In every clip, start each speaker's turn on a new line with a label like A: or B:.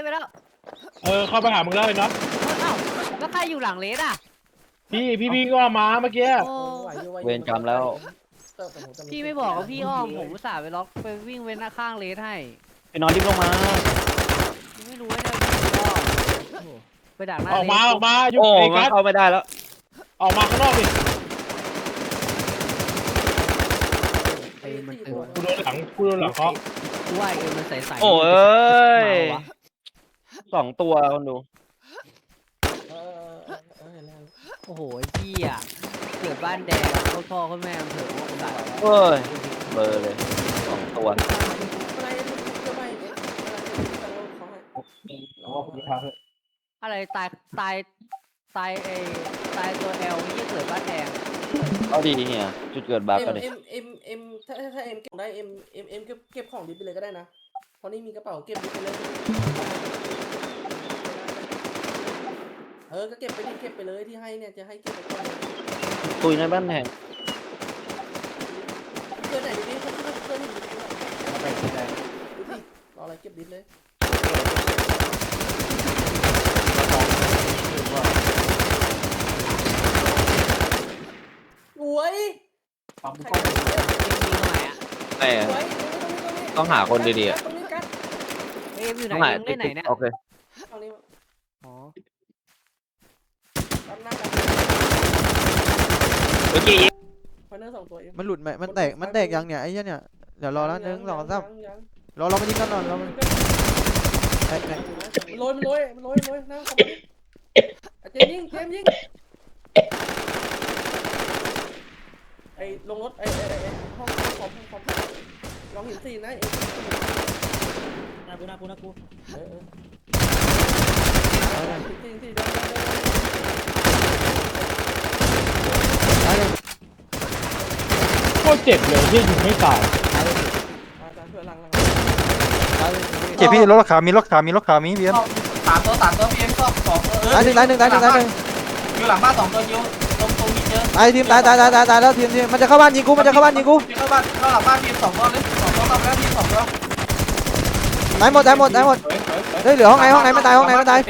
A: ไปแล้ว
B: เข้าไปหามึงแล้วไอ้น็อต
A: เอ้าแล้วใครอยู่หลังเลสอ่ะ
B: พี่ก็มาเมื่อกี้
A: โอ้
C: เวรกรรมแล้ว
A: พี่ไม่บอกว่าพี่อ้อมผมอุตส่าห์ไปล็อกไปวิ่งเว้นหน้าข้างเลสให้
C: ไปนอนรีบลงมา
A: ไม่รู้ว่าจะพี่อ้อมไปดักหน้าเลส
B: ออกมาอยู่
C: โอ้
B: ไอ้
C: มั
B: กั
C: น
B: ส
C: เข้าไม่ได้แล้ว
B: ออกมาข้างนอกดิ
A: ไอ้มันตึง
B: กูโดนหลังเขา
A: กูว่าไอ้มันใสๆ
C: โอ้เอ้ย2 ตัวคนดู
A: โอ้โหไอ้พี่อ่ะเกิดบ้านแดงโคตรพ่อโคตรแม่มันเถอะว่ากูตาย
C: เอ้ยเบอร์เลย2 ตัว
A: อะไรตายตายไอ้ตายตัวแอลนี่เกิดบ้านแดง
C: เอาดีเนี่ยจุดเกิดบั๊กก็ดิ
D: ถ้าเอ็มเก็บได้เอ็มเก็บของดิบไปเลยก็ได้นะเพราะนี่มีกระเป๋าเก็บดิบไปเลยก็เก็บไปดิเก็บไปเลยที่ให้เนี่ยจะให้เก็บไปก่อน
C: ตุยในบ้านแหง
D: เกินไหนดิเกินดิรออะไรเก็บดิบเลยสวย
C: แม่ต้องหาคนดีๆอ่ะ
A: เอ็มอยู่ไหน
C: ต้องหา
A: เอ็มเล่นไหนเนี่ย
C: โอเค
D: ตรงนี้
A: อ๋อ
D: ตั้งหน้ากัน
C: เมื่อกี้
D: พาร์เนอร์2 ตัวเอ็ม
E: มันหลุดไหมมันแตกยังเนี่ยไอ้เหี้ยเนี่ยเดี๋ยวรอแล้ว1 2 3รอมันยิงกันหน่อยรอมันแตก
D: โรยมันโรยนะเจมยิงไอ้ลงรถไอ้ห้องคอมลองเห็นสีนะนากูสี
B: โคตรเจ็บเลยที่ยิงไม่ตาย
D: ช่วยหลัง
F: เจ็บพี่รถขามีเบียม
D: 3 ตัวพีเอ็ม2 ตัว
E: ตายหนึ่ง
D: อยู่หลังบ้าน2 ตัวยิวตรงมีเจอ
E: ไอ้ทีมตายแล้วทีมมันจะเข้าบ้านยิงกู
D: เข้าหลังบ้านพีเอ็ม2 ตัวเลย2 ตัวเข้าไปแล้วพีเอ็ม2 ตัว
E: ไหนหมดเฮ้ยเหลือห้องไหนไม่ตาย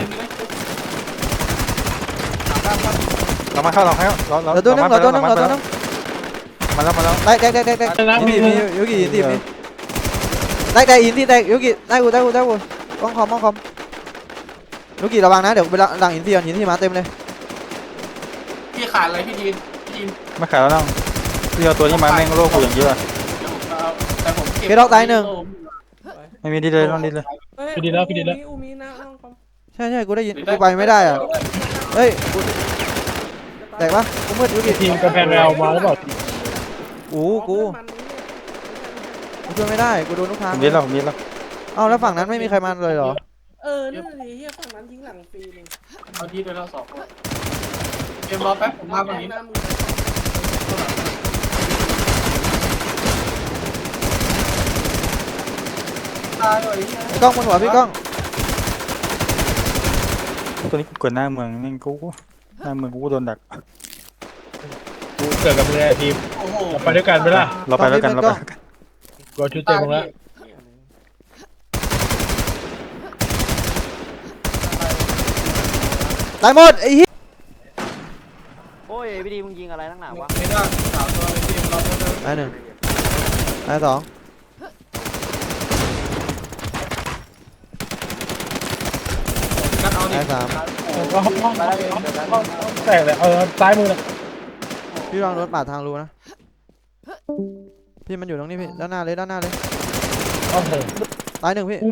F: เรามาเข้าเรา
E: เหลือตัวนึง
F: มาแล้ว
E: แตกอินทียูกิอินทีมีแตกอินทีแตกยูกิได้กูป้องคอมยูกิระวังนะเดี๋ยวไปหลังอินทีก่อนอินทีมาเต็มเลย
D: พี่ขาดอะไรพี่จีน
F: ไม่ขายแล้วน้องพี่เอาตัวนี้มาแม่งโลกกูอย่างเยอะ
D: แต่ผม
E: เคดอกตาย1
F: ไม่มีดีเลยน้องดีเลย
D: อูมีนะน้องคอม
E: ใช่กูได้ยินกูไปไม่ได้อ่ะเฮ้ยแตกปะกูมืดยูกิ
B: ทีมกระแพงแอลมาหรือเปล่า
E: กูช่วยไม่ได้กูโดนลูกค้า
F: ผมดีแล้ว
E: เอ้าแล้วฝั่งนั้นไม่มีใครมาเลยเหรอ
D: นั่นเลยเฮียฝั่งนั้นทิ้งหลังฟรีเลยเอาที่ไปแล้ว2เกมรอแป๊บผมมาตรงนี้ตายเลย
E: กล้องบนหัวพี่กล้อง
F: ตัวนี้กดหน้าเมืองแม่งกูหน้าเมืองกูโดนดัก
B: กูเกิดกับมึงไอ้ทีมไปด้วยกันไหมล่ะ
F: เราไปแล้วกัน
B: กูชุดเต็มมึงแล้ว
E: ตายหมดไอ้เหี้ย
C: โอ้ยพี่ดีมึงยิงอะไรนักหนาวะ
D: ไม่ได้3 ตัวเลยทีมรอแป๊บนึง
E: ตาย1ตาย2
D: กันเอาดิ
E: ตาย3
B: แตกเลยซ้ายมือเลย
E: พี่วางรถปาดทางรูนะพี่มันอยู่ตรงนี้พี่ด้านหน้าเลย
B: โอ้โห
E: ตาย1พี่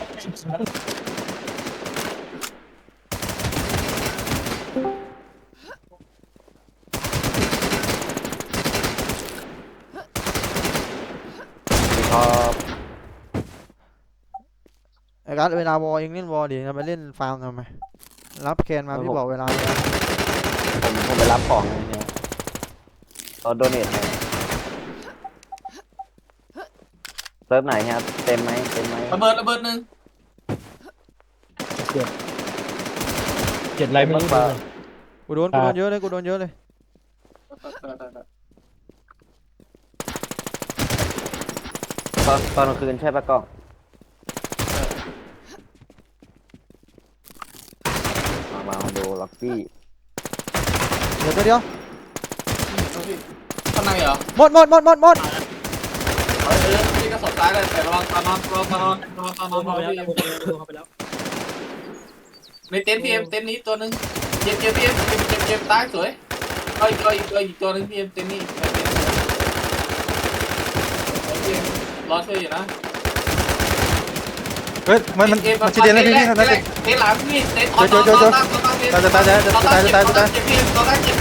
C: ครับ
E: ไอ้การ์ดเวลาวอลเองเล่นวอลดิจะไปเล่นฟาร์มทำไมรับแคนมาพี่บอกเวลาเลย
C: ผมไปรับของเนี่ยเราโดเนทให้เซิร์ฟไหนครับเต็มไหม
D: ระเบิดนึง
B: เจ็บอะไรไม่รู้เลย
E: กูโดนเยอะเลย
C: ตอนกลางคืนใช่ปะกล้องโดล็อกกี้
E: เดี๋ยวตัวเดียว
D: ข้างในเหรอ
E: หมด
D: พี่ก็สดท้ายเลยแต่ระวังตอนนอนพี่ในเต็นท์พี่เอ็มเต็นท์นี้ตัวนึงเจ็บพี่เอ็มเจ็บตายสวยเอาอีกตัวนึงพี่เอ็มเต็นท์นี้พี่เอ็มรอช่วยอยู่นะ
F: เฮ้ยมันชิเดนเลยพี่นั่นเลย
D: เต็นท์หลังพี่เต็นท์
F: ตายพี่ตัวนั้นเจ็บ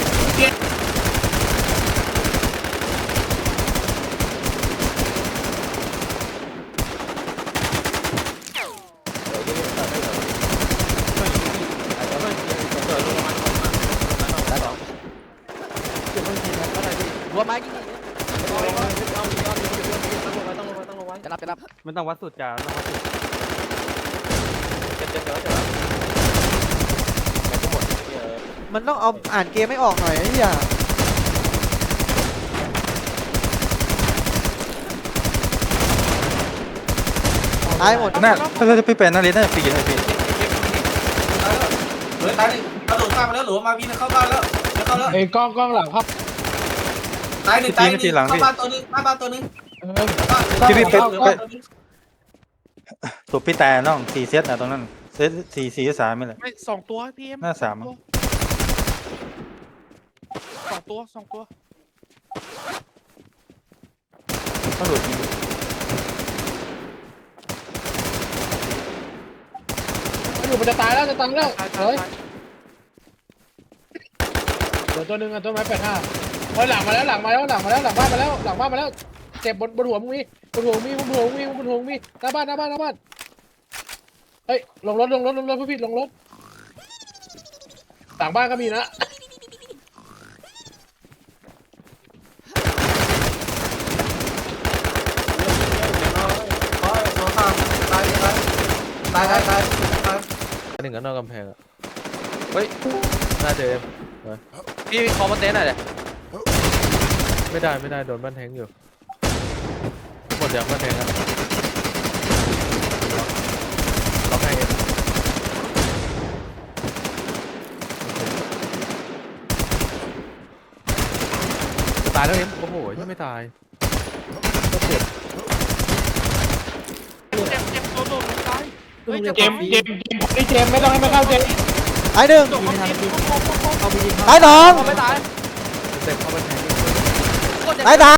A: รวมไม้ยิงจะรับ
F: มันต้องวัดสุดจ้าต้องวัดสุด
E: มันต้องเอาอ่านเกมไม่ออกหน่อยไอ้เหี้ยตายหมด
F: น่าถ้าพี่เป็นน่าเล่นน่าจะฟรีเลยพี่
D: เหลือตายหนึ่งกระโดดข้ามมาแล้วหรือมาวีนเข้าบ้านแล้วจะเข้าแล้ว
B: ไอ้กล้องหลังครับ
D: ตายหนึ่งเข้าบ้านตัวนึงบ้านตัวนึง
F: ตัวพี่แต่น้อง4เซตนะตรงนั้นเซต4-3ไม่เลย
G: ไม่2 ตัวพี่เอ็ม
F: หน้า3
G: 2 ตัว
F: ต้องหลุดยิง
B: อยู่มันจะตายแล้วเฮ้ย
G: ตาย
B: เดี๋ยวตัวนึงอ่ะต้นไม้85เฮ้ยหลังบ้านมาแล้วเจ็บบนหัวมึงมีหน้าบ้านเฮ้ยลงรถพี่ลงรถหลังบ้านก็มีนะ
H: หนึ่งก็นอกกำแพงอ่ะเฮ้ยน่าเจอเอ็มพี่คอมาเต้นหน่อยเลยไม่ได้โดนบ้านแทงอยู่หมดยังบ้านแทงอ่ะล็อกให้เอ็มตายแล้วเอ็มโอ้โหยังไม่ตายเจ็บ
G: เจ็บตัวตายเฮ้ย
B: เจมไม่ต้องให้มันเข้าเจม
E: ตายหนึ่ง
G: เอาไปยิง
E: ตายสอง
A: ไม่ตาย
H: เจ็บเข้าบ้านแทง
E: ตายสาม